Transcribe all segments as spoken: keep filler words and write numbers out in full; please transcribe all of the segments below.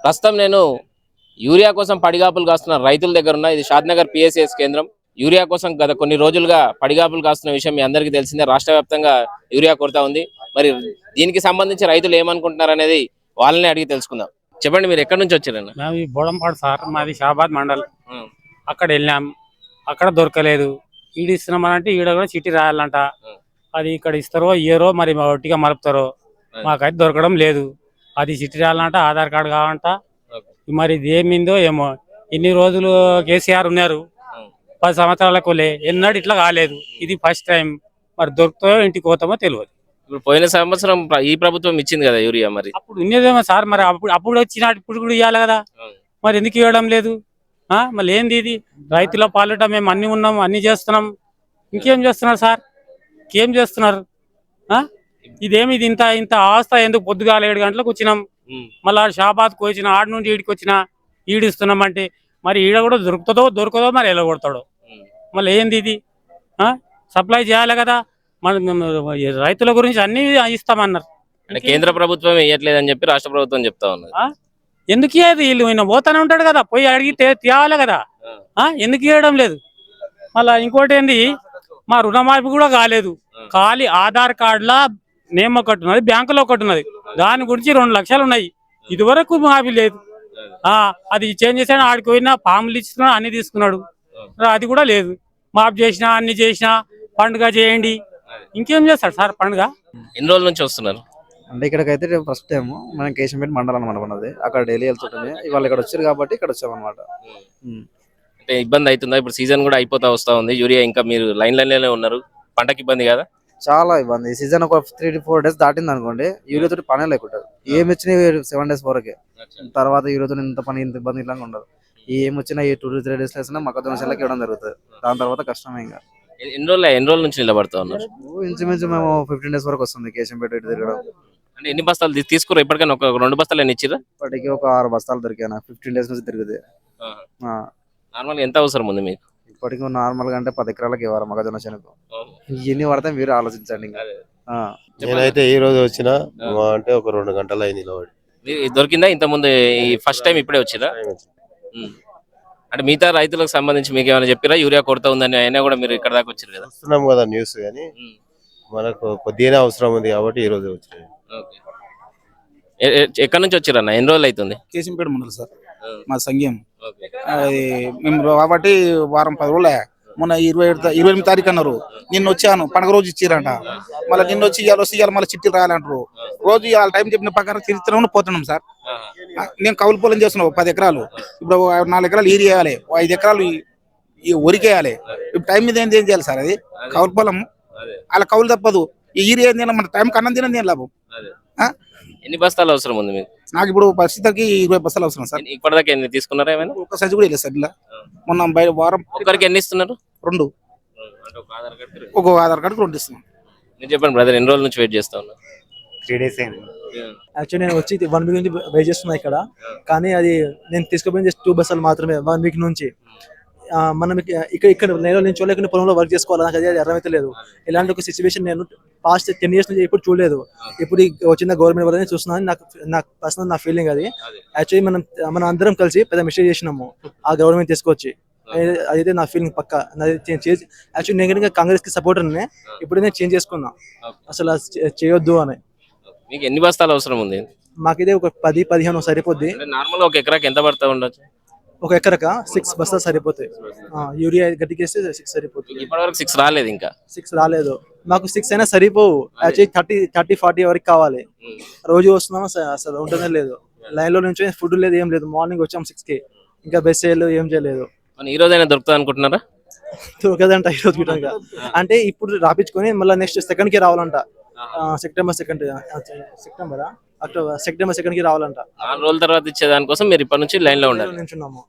ప్రస్తుతం నేను యూరియా కోసం పడిగాపులు కాస్తున్న రైతుల దగ్గర ఉన్న ఇది షాద్నగర్ పిఎస్ఎస్ కేంద్రం. యూరియా కోసం గత కొన్ని రోజులుగా పడిగాపులు కాస్తున్న విషయం మీ అందరికీ తెలిసిందే. రాష్ట్ర వ్యాప్తంగా యూరియా కొరత ఉంది. మరి దీనికి సంబంధించి రైతులు ఏమనుకుంటున్నారు అనేది వాళ్ళని అడిగి తెలుసుకుందాం. చెప్పండి, మీరు ఎక్కడి నుంచి వచ్చారన్న? మేము బోడంపాడు సార్, మాది షాబాద్ మండల్. అక్కడ వెళ్ళాం, అక్కడ దొరకలేదు. ఈడ ఇస్తున్నామనంటే ఈడ కూడా చిట్టి రాయాలంట. అది ఇక్కడ ఇస్తారో ఇయ్యరో మరి ఒట్టిగా మలుపుతారో మాకైతే దొరకడం లేదు. అది చిట్టి రాయాలంట, ఆధార్ కార్డు కావాలంట. మరి ఇది ఏమిందో ఏమో. ఇన్ని రోజులు కేసీఆర్ ఉన్నారు, పది సంవత్సరాలకు ఎన్నడూ ఇట్లా కాలేదు. ఇది ఫస్ట్ టైం. మరి దొరుకుతాయో ఇంటికి పోతామో తెలియదు. ఇప్పుడు పోయిన సంవత్సరం ఈ ప్రభుత్వం ఇచ్చింది కదా యూరియా, మరి అప్పుడు ఉన్నదేమో సార్. మరి అప్పుడు అప్పుడు వచ్చిన ఇప్పుడు కూడా ఇవ్వాలి కదా, మరి ఎందుకు ఇవ్వడం లేదు? మళ్ళీ ఏంది ఇది? రైతుల పాలిట మేము అన్ని ఉన్నాం, అన్ని చేస్తున్నాం. ఇంకేం చేస్తున్నారు సార్? ఇంకేం చేస్తున్నారు? ఇదేమి ఇది? ఇంత ఇంత అవస్థ ఎందుకు? పొద్దుగాల ఏడు గంటలకు వచ్చినాం, మళ్ళీ షాబాద్కి వచ్చిన, ఆడ నుండి ఈడికి వచ్చిన, ఈడిస్తున్నాం అంటే మరి ఈడ కూడా దొరుకుతుందో దొరకదో మరి ఎలా కొడతాడో. మళ్ళీ ఏంది ఇది? సప్లై చేయాలి కదా. మన రైతుల గురించి అన్ని ఇస్తామన్నారు. అంటే కేంద్ర ప్రభుత్వం వేయట్లేదని చెప్పి రాష్ట్ర ప్రభుత్వం చెప్తా ఉన్నారు. ఎందుకు ఇయ్యదు? వీళ్ళు ఈయన పోతానే ఉంటాడు కదా, పోయి అడిగితే తేవాలి కదా. ఎందుకు ఇవ్వడం లేదు? మళ్ళా ఇంకోటి ఏంది, మా రుణమాఫీ కూడా కాలేదు. ఖాళీ ఆధార్ కార్డులా నేమ్ ఒకటి ఉన్నది, బ్యాంకులో ఒకటి ఉన్నది. దాని గురించి రెండు లక్షలు ఉన్నాయి. ఇది వరకు మాఫీ లేదు. అది చేంజ్ చేసాడు, ఆడికి పోయినా ఫామ్లు ఇస్తున్నాడు, అన్ని తీసుకున్నాడు. అది కూడా లేదు. మాఫీ చేసినా అన్ని చేసినా పండుగ చేయండి. ఇంకేం చేస్తాడు సార్ పండుగ? ఎన్ని రోజుల నుంచి వస్తున్నారు అంటే ఇక్కడికి? అయితే ఫస్ట్ టైం మనం కేశంపేట మండలం అనమాట మనది. అక్కడ డైలీ వెళ్తుంటుంది. ఇవాళ ఇక్కడ వచ్చారు కాబట్టి ఇక్కడ వచ్చామన్నమాట. అంటే ఇబ్బంది అవుతుందా? ఇప్పుడు సీజన్ కూడా అయిపోతా వస్తా ఉంది. యూరియా ఇంకా మీరు లైన్ లైన్లోనే ఉన్నారు. పంటకి ఇబ్బంది కదా? చాలా ఇబ్బంది. సీజన్ ఒక త్రీ టు ఫోర్ డేస్ దాటింది అనుకోండి, యూరియా తోటి పనే లేకుంటుంది. ఏమి వచ్చినాయి సెవెన్ డేస్ వరకే. తర్వాత యూరియా తోటి ఇంత పని ఇంత ఇబ్బంది ఇట్లా ఉండదు. ఏమి వచ్చినా ఈ టూ టు త్రీ డేస్ వేసినా మొక్కజొన్న చెల్లకి ఇవ్వడం జరుగుతుంది. దాని తర్వాత కష్టమే. ఇంకా ఎన్ని రోజులు ఎన్ని రోజుల నుంచి నిలబడతా ఉన్నారు? ఇంచుమించు మేము ఫిఫ్టీన్ డేస్ వరకు వస్తుంది కేశంపేట ఇటు తిరగడం. అంటే ఎన్ని బస్తాలు తీసుకురా ఇప్పటికైనా? ఒక రెండు బస్తాలు ఎన్ని ఇచ్చిరా? ఇప్పటికి ఒక ఆరు బస్తాలు దొరికాను. ఫిఫ్టీన్ డేస్ నుంచి తిరుగుతుంది. నార్మల్గా ఎంత అవసరం ఉంది మీకు? ఇప్పటికి నార్మల్ గా అంటే పది ఎకరాలకు ఇవ్వాలి మొక్కజొన్న చెనకు. ఎన్ని పడతాయి మీరు ఆలోచించండి. నేనైతే ఈ రోజు వచ్చిన అంటే ఒక రెండు గంటలు అయింది నిలబడి. దొరికిందా ఇంత ముందు? ఫస్ట్ టైం ఇప్పుడే వచ్చిరా? అంటే మిగతా రైతులకు సంబంధించి మీకు ఏమైనా చెప్పిరా యూరియా కొరత ఉందని? అయినా కూడా మీరు ఇక్కడ దాకా వచ్చారు కదా. వస్తున్నాం కదా న్యూస్, కానీ మనకు కొద్దిగానే అవసరం ఉంది కాబట్టి ఈ రోజు వచ్చినాయి. ఎక్కడి నుంచి వచ్చారన్న? ఎన్ని రోజులు అవుతుంది? కేశంపేట మండలం సార్, మా సంఘం. అది మేము కాబట్టి వారం పది రోజులే. మొన్న ఇరవై ఇరవై ఎనిమిది తారీఖు అన్నారు. నిన్న వచ్చాను, పండుగ రోజు ఇచ్చిరంట. మళ్ళీ నిన్న వచ్చి ఇవాళ వస్తే ఇవాళ మళ్ళీ చిట్టి రాయాలంటారు. రోజు ఇవాళ టైం చెప్పిన ప్రకారం చరిత్ర పోతున్నాం సార్. నేను కౌలు పొలం చేస్తున్నావు పది ఎకరాలు. ఇప్పుడు నాలుగు ఎకరాలు ఈరి వేయాలి, ఐదు ఎకరాలు వరికేయాలి. ఇప్పుడు టైం మీద ఏం చేయాలి సార్? అది కౌలు పొలం, అలా కౌలు తప్పదు. ఈ ఈరి ఏం తిన మన టైం కన్నం తిన దేని లాభం? ఎన్ని బస్తాలు అవసరం ఉంది మీకు? నాకు ఇప్పుడు పరిస్థితికి ఇరవై బస్తాలు అవసరం సార్. ఇప్పటిదాకా ఎన్ని తీసుకున్నారా? ఏమైనా ఒక్క సైజు కూడా లేదు సార్. ఇలా మొన్న వారం ఒక్కరికి ఎన్ని ఇస్తున్నారు? రెండు. ఒక ఆధార్ కార్డు రెండు ఇస్తున్నాం. నేను చెప్పండి బ్రదర్, ఎన్ని రోజుల నుంచి వెయిట్ చేస్తా ఉన్నా? త్రీ డేస్ అయింది. యాక్చువల్లీ నేను వచ్చి వన్ వీక్ నుంచి వెయిట్ చేస్తున్నా ఇక్కడ. కానీ అది నేను తీసుకుపోయిన జస్ట్ టూ బస్సులు మాత్రమే వన్ వీక్ నుంచి. మనం ఇక్కడ ఇక్కడ నేను నేను చూడలేకుండా పొలంలో వర్క్ చేసుకోవాలి, నాకు అది అర్థమైతే లేదు. ఇలాంటి ఒక సిచ్యువేషన్ నేను పాస్ట్ టెన్ ఇయర్స్ నుంచి ఎప్పుడు చూడలేదు. ఇప్పుడు వచ్చిన గవర్నమెంట్ వల్లనే చూస్తున్నాను. నాకు నాకు పర్సనల్ నా ఫీలింగ్ అది. యాక్చువల్లీ మనం మనం అందరం కలిసి పెద్ద మిస్టేక్ చేసినాము ఆ గవర్నమెంట్ తీసుకొచ్చి. అదైతే నా ఫీలింగ్ పక్క. యాక్చువల్లీ నేను కాంగ్రెస్ కి సపోర్టర్ నే. ఇప్పుడు నేను చేంజ్ చేసుకున్నా అసలు చేయొద్దు అని. మీకు ఎన్ని బస్తాలు అవసరం ఉంది? మాకైతే ఒక పది పదిహేను సరిపోద్ది. నార్మల్ ఒక ఎకరాకి ఎంత పడతా ఉండొచ్చు? ఒక ఎకరక సిక్స్ బస్తాలు సరిపోతాయి. యూరియా గట్టికేస్తే సిక్స్ సరిపోతుంది. ఇప్పటివరకు సిక్స్ రాలేదు. ఇంకా సిక్స్ రాలేదు. మాకు సిక్స్ అయినా సరిపోవు. యాక్చువల్లీ థర్టీ థర్టీ ఫార్టీ వరకు కావాలి. రోజు వస్తున్నాము అసలు ఉంటనే లేదు. లైన్ లో నుంచి ఫుడ్ లేదు, ఏం లేదు. మార్నింగ్ వచ్చాము సిక్స్ కి, ఇంకా బెస్ చేయలేదు, ఏం చేయలేదు. ఈ రోజు అయినా దొరుకుతుంది అనుకుంటున్నారా? దొరకదంట ఈ రోజు గిట్టంగా. అంటే ఇప్పుడు రాపించుకొని మళ్ళీ నెక్స్ట్ సెకండ్ కి రావాలంట. సెప్టెంబర్ సెకండ్ సెప్టెంబరా అక్టోబర్ సెప్టెంబర్ సెకండ్ కి రావాలంట. నాలుగు రోజుల తర్వాత ఇచ్చేదానికోసం మీరు ఇప్పటి నుంచి లైన్ లో ఉండాలి. నిల్చున్నాము.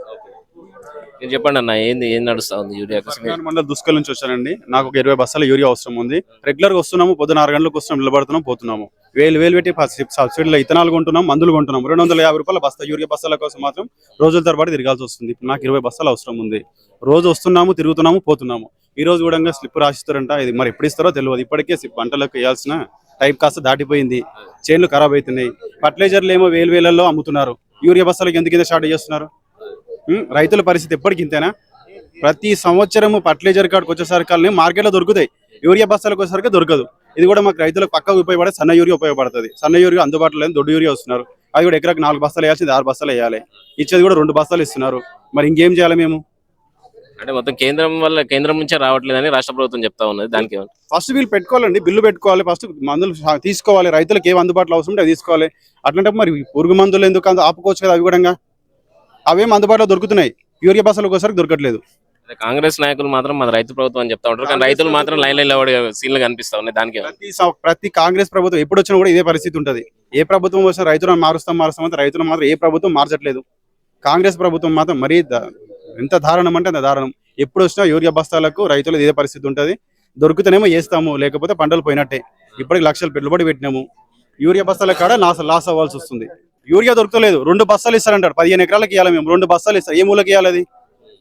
మీరు చెప్పండి అన్న, ఏంది ఏం నడుస్తా ఉంది యూరియా కోసం? మండలం దుస్కల్ నుంచి వచ్చానండి. నాకు ఒక ఇరవై బస్తాల యూరియా అవసరం ఉంది. రెగ్యులర్ గా వస్తున్నాము, పొద్దున ఆరు గంటలకు వస్తున్నాం, నిలబడుతున్నాం, పోతున్నాము. వేలు వేలు పెట్టి సబ్సిడీలో ఇథనాలు కొంటున్నాం, మందులు కొంటున్నాం. రెండు వందల యాభై రూపాయల బస్తా యూరియా బస్తాల కోసం మాత్రం రోజుల తరబడి తిరగాల్సి వస్తుంది. నాకు ఇరవై బస్తాలు అవసరం ఉంది. రోజు వస్తున్నాము, తిరుగుతున్నాము, పోతున్నాము. ఈ రోజు కూడా స్లిప్ రాసిస్తారంట. ఇది మరి ఎప్పుడు ఇస్తారో తెలియదు. ఇప్పటికే పంటలకు వేయాల్సిన టైం కాస్త దాటిపోయింది. చేన్లు ఖరాబ్ అవుతున్నాయి. ఫర్టిలైజర్లు ఏమో వేలు వేలల్లో అమ్ముతున్నారు. యూరియా బస్తాలకు ఎందుకు ఇంత షార్ట్ చేస్తున్నారు? ఉం? రైతుల పరిస్థితి ఎప్పటికి ఇంతేనా? ప్రతి సంవత్సరము ఫర్టిలైజర్ కార్డుకి వచ్చేసరికి మార్కెట్లో దొరుకుతాయి, యూరియా బస్తాలకు వచ్చేసరికి దొరకదు. ఇది కూడా మాకు రైతులకు పక్కకు ఉపయోగపడే సన్న యూరియా ఉపయోగపడుతుంది. సన్న యూరియా అందుబాటులో లేదు, దొడ్డు యూరియా వస్తున్నారు. అది కూడా ఎకరాకు నాలుగు బస్తాలు వేయాల్సింది ఆరు బస్తాలు వేయాలి, ఇచ్చేది కూడా రెండు బస్తాలు ఇస్తున్నారు. మరి ఇంకేం చేయాలి మేము? అంటే మొత్తం కేంద్రం వల్ల కేంద్రం నుంచే రావట్లేదని రాష్ట్ర ప్రభుత్వం చెప్తా ఉన్నది. దానికి ఏమంటారు? ఫస్ట్ వీళ్ళు పెట్టుకోవాలండి, బిల్లు పెట్టుకోవాలి, ఫస్ట్ మందులు తీసుకోవాలి, రైతులకు ఏం అందుబాటులో అవసరం ఉంటే అది తీసుకోవాలి. అట్లాంటే మరి పురుగు మందులు ఎందుకు అంత ఆపుకోవచ్చు కదా, అవి కూడా అవేం అందుబాటులో దొరుకుతున్నాయి, యూరియా బస్తాలు ఒకసారి దొరకట్లేదు. కాంగ్రెస్ నాయకులు మాత్రం మన రైతు ప్రభుత్వం అని చెప్తా ఉంటారు, కానీ రైతులు మాత్రం లైన్ లైన్ లో సీన్లు కనిపిస్తా ఉన్నాయి. దానికి ఏమంటారు? ప్రతి సం- ప్రతి కాంగ్రెస్ ప్రభుత్వం ఎప్పుడు వచ్చినా కూడా ఇదే పరిస్థితి ఉంటది. ఏ ప్రభుత్వం వచ్చినా రైతులను మారుస్తాం మారుస్తాం అంటే రైతులను మాత్రం ఏ ప్రభుత్వం మార్చట్లేదు. కాంగ్రెస్ ప్రభుత్వం మాత్రం మరీ ద- ఎంత దారుణం అంటే అంత దారుణం. ఎప్పుడు వచ్చినా యూరియా బస్తాలకు రైతులు ఇదే పరిస్థితి ఉంటది. దొరుకుతేనేమో వేస్తాము, లేకపోతే పంటలు పోయినట్టే. ఇప్పటికి లక్షలు పెట్టుబడి పెట్టినాము, యూరియా బస్తాల కాడ లాస్ లాస్ అవ్వాల్సి వస్తుంది. యూరియా దొరకలేదు, రెండు బస్తాలు ఇస్తారంటారు. పదిహేను ఎకరాలకు ఇవ్వాలి మేము, రెండు బస్తాలు ఇస్తారు. ఏ మూలకి ఇవ్వాలి అది?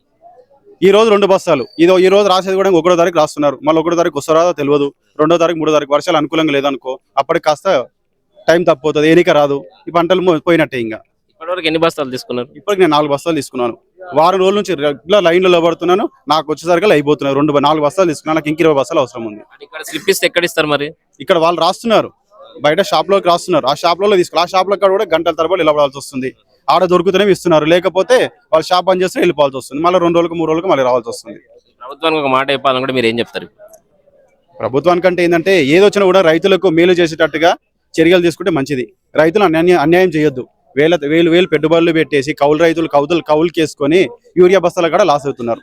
ఈ రోజు రెండు బస్తాలు, ఇదో ఈ రోజు రాసేది కూడా ఒకటో తారీఖు రాస్తున్నారు. మళ్ళీ ఒకటో తారీఖు వస్తారో తెలియదు, రెండో తారీఖు మూడో తారీఖు వర్షాలు అనుకూలంగా లేదనుకో, అప్పటికి కాస్త టైం తప్పిపోతుంది, ఎన్నిక రాదు, ఈ పంటలు మో- పోయినట్టే. ఇంకా ఇప్పటివరకు ఎన్ని బస్తాలు తీసుకున్నారు? ఇప్పటికి నేను నాలుగు బస్తాలు తీసుకున్నాను. వారం రోజుల నుంచి రెగ్యులర్ లైన్లో పడుతున్నాను. నాకు వచ్చేసరికి అయిపోతున్నాయి. రెండు నాలుగు బస్తాలు తీసుకున్నాను, నాకు ఇంక ఇరవై బస్తాలు అవసరం ఉంది. అంటే ఇక్కడ స్లిప్ ఇస్తే ఎక్కడ ఇస్తారు మరి? ఇక్కడ వాళ్ళు రాస్తున్నారు, బయట షాప్ లోకి రాస్తున్నారు. ఆ షాప్ లో తీసుకుని ఆ షాప్ లో కూడా గంటల తరబడి నిలబడాల్సి వస్తుంది. ఆడ దొరుకుతూనే ఇస్తున్నారు, లేకపోతే వాళ్ళు షాప్ బంద్ చేస్తే వెళ్ళిపోవాల్సి వస్తుంది. మళ్ళీ రెండు రోజులకు మూడు రోజులకు మళ్ళీ రావాల్సి వస్తుంది. ప్రభుత్వానికి ఒక మాట చెప్పాలనుకుంటే మీరు ఏం చెప్తారు? ప్రభుత్వానికంటే ఏంటంటే ఏదొచ్చినా కూడా రైతులకు మేలు చేసేటట్టుగా చర్యలు తీసుకుంటే మంచిది. రైతులు అన్యాయం అన్యాయం చేయొద్దు. వేల వేలు వేలు పెట్టుబడులు పెట్టేసి కౌలు రైతులు కౌతులు కౌలుకి వేసుకొని యూరియా బస్తాల కూడా లాస్ అవుతున్నారు.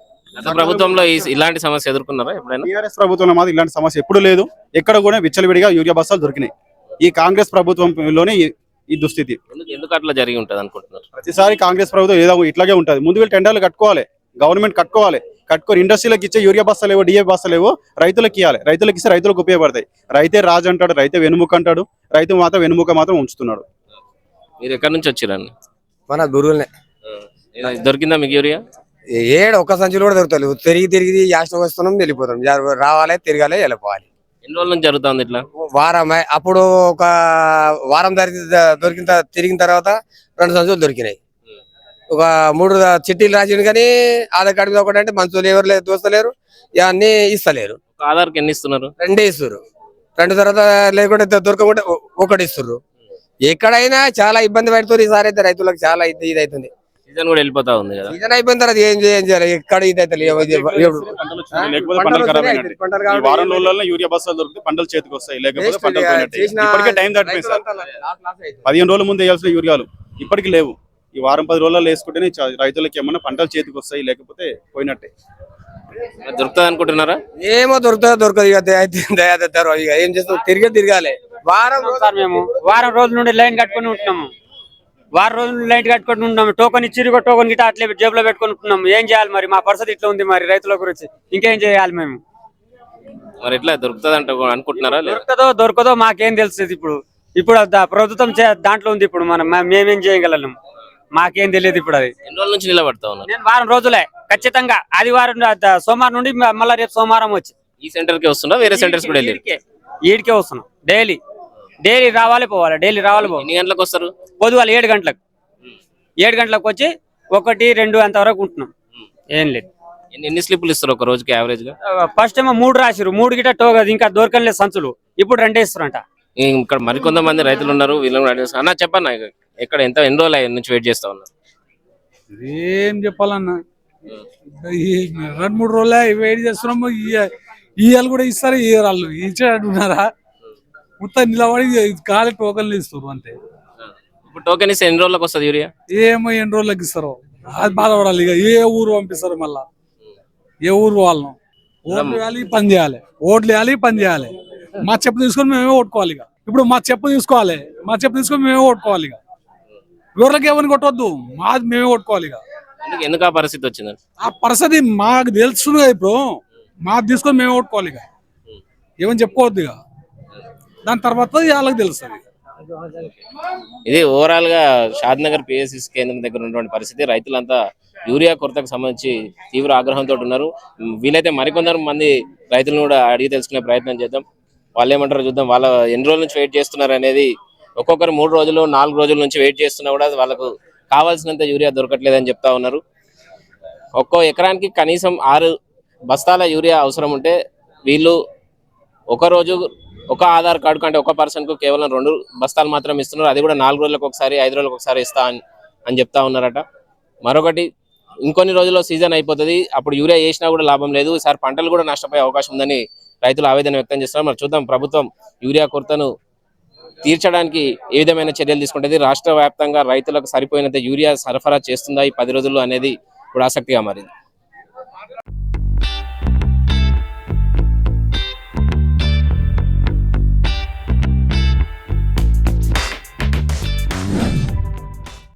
గత ప్రభుత్వంలో ఈ- ఇలాంటి సమస్య ఎదుర్కొన్నారా ఎప్పుడైనా? టీఆర్ఎస్ ప్రభుత్వంలో మాత్రం ఇలాంటి సమస్య ఎప్పుడు లేదు. ఎక్కడ కూడా విచ్చలవిడిగా యూరియా బస్తాలు దొరికినాయి. ఈ కాంగ్రెస్ ప్రభుత్వంలోనే ఈ- ఈ దుస్థితి. ఎందుకు ఎందుకు అట్లా జరిగి ఉంటది అనుకుంటున్నారు? ప్రతిసారి కాంగ్రెస్ ప్రభుత్వం ఏదో ఇట్లాగే ఉంటుంది. ముందు వీళ్ళు టెండర్లు కట్టుకోవాలి, గవర్నమెంట్ కట్టుకోవాలి, కట్టుకొని ఇండస్ట్రీలకు ఇచ్చే యూరియా బస్తాలు ఏవో డిఏ బస్తాలు ఏవో రైతులకు ఇవ్వాలి. రైతులకు ఇస్తే రైతులకు ఉపయోగపడతాయి. రైతే రాజు అంటాడు, రైతే వెనుముక అంటాడు, రైతు మాత్రం వెనుముక మాత్రం ఉంచుతున్నాడు. మీరు ఎక్కడి నుంచి వచ్చిరండి? మన గురువులనే దొరికిందా మీకు యూరియా? ఏడు ఒక్క సంచులు కూడా దొరుకుతాయి. తిరిగి తిరిగి యాస్టం వస్తున్నాం, వెళ్ళిపోతాం. జర- రావాలి, తిరగాలి, వెళ్ళిపోవాలి. ఎన్ని రోజుల నుంచి జరుగుతుంది ఇట్లా? వారం అప్పుడు ఒక వారం దొరికి దొరికిన త- తిరిగిన తర్వాత రెండు సంచులు దొరికినాయి. ఒక మూడు చిట్టీలు రాసిండు, కానీ ఆధార్ కార్డు మీద ఒకటి అంటే మంచులు ఎవరు లేదు, దోస్తలేరు, ఇవన్నీ ఇస్తలేరు. ఒక ఆధార్కి ఎన్ని ఇస్తున్నారు? రెండే ఇస్తారు. రెండు తర్వాత లేకుంటే దొరకకుండా ఒ- ఒకటి ఇస్తారు. ఎక్కడైనా చాలా ఇబ్బంది పడుతుంది. ఈసారి అయితే రైతులకు చాలా ఇది ఇది అవుతుంది. సీజన్ కూడా వెళ్ళిపోతా ఉంది కదా. సీజన్ అయిపోయిన తర్వాత ఏం చేయం చేయాలి? ఎక్కడ ఇది అయితే లేవు. ఇది ఎప్పుడు- లేకపోతే పంటలు ఖరాబ్ అయినట్టే. పంటలు ఈ కాబట్టి వారం రోజుల్లో యూరియా బస్తాలు దొరికితే పంటలు చేతికి వస్తాయి, లేకపోతే Next పంటలు ఇక పోయినట్టే. చేసిన ఇప్పటికే టైం తప్పిపోయింది సార్. రైతులంతా లాస్ లాస్ అవుతుంది. పదిహేను రోజుల ముందు వేయాల్సిన యూరియాలు ఇప్పటికి లేవు. ఈ వారం పది రోజుల్లో వేసుకుంటేనే చ- రైతులకి ఏమన్నా పంటలు చేతికి వస్తాయి, లేకపోతే పోయినట్టే. మరి దొరుకుతుంది అనుకుంటున్నారా? ఏమో దొరుకుతుందో దొరకదు. ఇక అయితే దయాదత్తారు. ఇక ఏం చేస్తాం, తిరిగే తిరగాలి. వారం రోజులు సార్ మేము వారం రోజుల నుండి లైన్ కట్టుకొని ఉంటున్నాము. వారం రోజుల నుండి లైన్ కట్టుకొని ఉంటున్నాము. టోకన్ ఇచ్చిరు, టోకన్ గిట్ట అట్లే జేబులో పెట్టుకొని ఉంటున్నాము. ఏం చేయాలి మరి? మా పరిస్థితి ఇట్లా ఉంది మరి రైతుల గురించి. ఇంకేం చేయాలి మేము? మరి ఎట్లా దొరుకుతుంది అంటే అనుకుంటున్నారా? లేదా దొరకదో దొరకదో మాకేం తెలుస్తుంది ఇప్పుడు. ఇప్పుడు దా- ప్రభుత్వం చే- దాంట్లో ఉంది. ఇప్పుడు మనం మే- మేమేం చేయగలం? మాకేం తెలియదు ఇప్పుడు. అది ఎన్ని రోజుల నుంచి నిలబడతా ఉన్నారు? నేను వారం రోజులే ఖచ్చితంగా. ఆదివారం ద- ద- సోమవారం నుండి మ- మళ్ళా రేపు సోమవారం వచ్చి ఈ సెంటర్ కి వస్తున్నా, వేరే సెంటర్స్ కూడా వెళ్ళి ఈడికే ఈడికే వస్తున్నాం. డైలీ డైలీ రావాలి పోవాలి, డైలీ రావాలి పోవాలి. ఎన్ని గంటలకు వస్తారు? పొద్దుగాల ఏడు గంటలకు ఏడు గంటలకు వచ్చి ఒకటి రెండు అంత వరకు ఉంటున్నాం. ఏం లేదు. ఎన్ని ఎన్ని స్లిప్లు ఇస్తారు ఒక రోజుకి యావరేజ్ గా? ఫస్ట్ ఏమో మూడు రాసిరు, మూడు గిట్ట టోగదు, ఇంకా దొరకలేదు సంచులు. ఇప్పుడు రెండే ఇస్తారంట. ఇక్కడ మరికొంతమంది రైతులు ఉన్నారు, వీళ్ళని కూడా అడిగేస్తా. అన్న చెప్పన్నా, ఎక్కడ ఎంత ఎన్ని రోజులు అయ్యి నుంచి వెయిట్ చేస్తా ఉన్నారు? ఏం చెప్పాలన్నా, ఈ రెండు మూడు రోజులే వెయిట్ చేస్తున్నాము. ఇవాళ కూడా ఇస్తారు, ఇయ్యరు. వాళ్ళు ఇచ్చేటట్టున్నారా? మొత్తం నిలబడి ఖాళీ టోకన్లు ఇస్తారు అంతే. ఇప్పుడు టోకెన్ ఇస్తే ఎన్ని రోజులకు వస్తుంది యూరియా? ఏమో ఎన్ని రోజులకి ఇస్తారో అది బాధపడాలి. ఇక ఏ ఊరు పంపిస్తారు, మళ్ళా ఏ ఊరు వాళ్ళను ఓట్లు వేయాలి, పని చేయాలి. ఓట్లు వేయాలి, పని చేయాలి. మా చెప్పు తీసుకొని మేమే ఓట్టుకోవాలి. ఇక ఇప్పుడు మా చెప్పు తీసుకోవాలి, మా చెప్పు తీసుకొని మేమే ఓట్టుకోవాలి. ఇక ఎవరికి ఎవరిని కొట్టవద్దు, మాది మేమే ఓట్టుకోవాలి. ఇక ఎందుకు ఎందుకు ఆ పరిస్థితి వచ్చింది? ఆ పరిస్థితి మాకు తెలుస్తుంది కదా. ఇప్పుడు మాకు తీసుకొని మేము ఓట్టుకోవాలి. ఇక ఏమని చెప్పుకోవద్దు. ఇక దాని తర్వాత వాళ్ళకి తెలుస్తుంది. ఇది ఓవరాల్ గా షాద్ నగర్ పిఎస్సి కేంద్రం దగ్గర ఉన్నటువంటి పరిస్థితి. రైతులంతా యూరియా కొరతకు సంబంధించి తీవ్ర ఆగ్రహంతో ఉన్నారు. వీలైతే మరికొందరు మంది రైతులను కూడా అడిగి తెలుసుకునే ప్రయత్నం చేద్దాం. వాళ్ళు ఏమంటారో చూద్దాం. వాళ్ళ ఎన్ని రోజుల నుంచి వెయిట్ చేస్తున్నారు అనేది ఒక్కొక్కరు మూడు రోజులు నాలుగు రోజుల నుంచి వెయిట్ చేస్తున్నా కూడా వాళ్ళకు కావాల్సినంత యూరియా దొరకట్లేదని చెప్తా ఉన్నారు. ఒక్కో ఎకరానికి కనీసం ఆరు బస్తాల యూరియా అవసరం ఉంటే వీళ్ళు ఒక రోజు ఒక ఆధార్ కార్డు కంటే ఒక పర్సన్కు కేవలం రెండు బస్తాలు మాత్రం ఇస్తున్నారు. అది కూడా నాలుగు రోజులకు ఒకసారి ఐదు రోజులకు ఒకసారి ఇస్తా అని అని చెప్తా ఉన్నారట. మరొకటి ఇంకొన్ని రోజుల్లో సీజన్ అయిపోతుంది, అప్పుడు యూరియా వేసినా కూడా లాభం లేదు, ఈసారి పంటలు కూడా నష్టపోయే అవకాశం ఉందని రైతులు ఆవేదన వ్యక్తం చేస్తున్నారు. మరి చూద్దాం ప్రభుత్వం యూరియా కొరతను తీర్చడానికి ఏ విధమైన చర్యలు తీసుకుంటుంది, రాష్ట్ర వ్యాప్తంగా రైతులకు సరిపోయినంత యూరియా సరఫరా చేస్తుందా ఈ పది రోజుల్లో అనేది ఇప్పుడు ఆసక్తిగా మారింది.